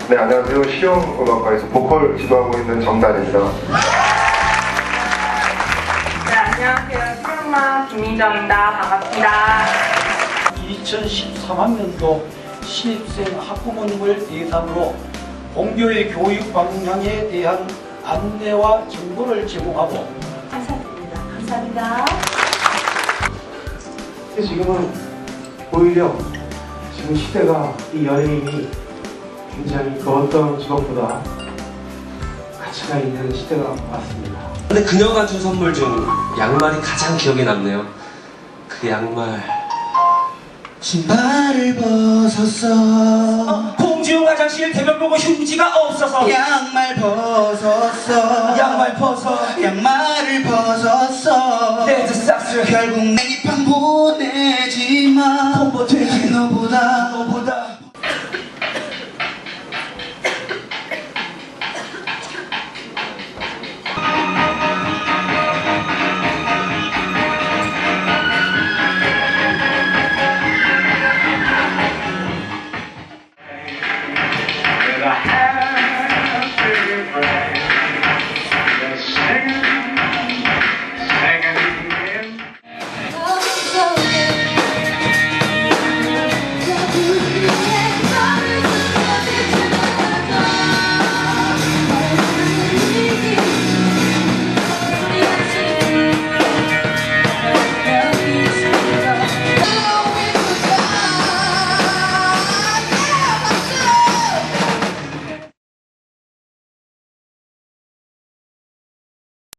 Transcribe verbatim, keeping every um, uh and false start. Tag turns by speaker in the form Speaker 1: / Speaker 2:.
Speaker 1: 네, 안녕하세요. 실용음악과에서 보컬 지도하고 있는 정단입니다.
Speaker 2: 네, 안녕하세요. 실용음악 김민정입니다. 반갑습니다.
Speaker 3: 이천십삼 학년도 신입생 학부모님을 대상으로 본교의 교육 방향에 대한 안내와 정보를 제공하고
Speaker 4: 감사드립니다. 감사합니다.
Speaker 5: 지금은 오히려 지금 시대가 이 연예인이 굉장히 그 어떤 직업보다 가치가 있는 시대가 왔습니다.
Speaker 6: 근데 그녀가 준 선물 중 양말이 가장 기억에 남네요. 그 양말.
Speaker 7: 신발을 벗었어.
Speaker 6: 어, 공중 화장실 대변 보고 휴지가 없어서
Speaker 7: 양말 벗었어.
Speaker 6: 양말 벗어
Speaker 7: 양말을 벗었어.
Speaker 6: 레드 삭스
Speaker 7: 결국 내 입방 보내지마.
Speaker 6: 콤보 되지
Speaker 7: 너보다
Speaker 6: 너보다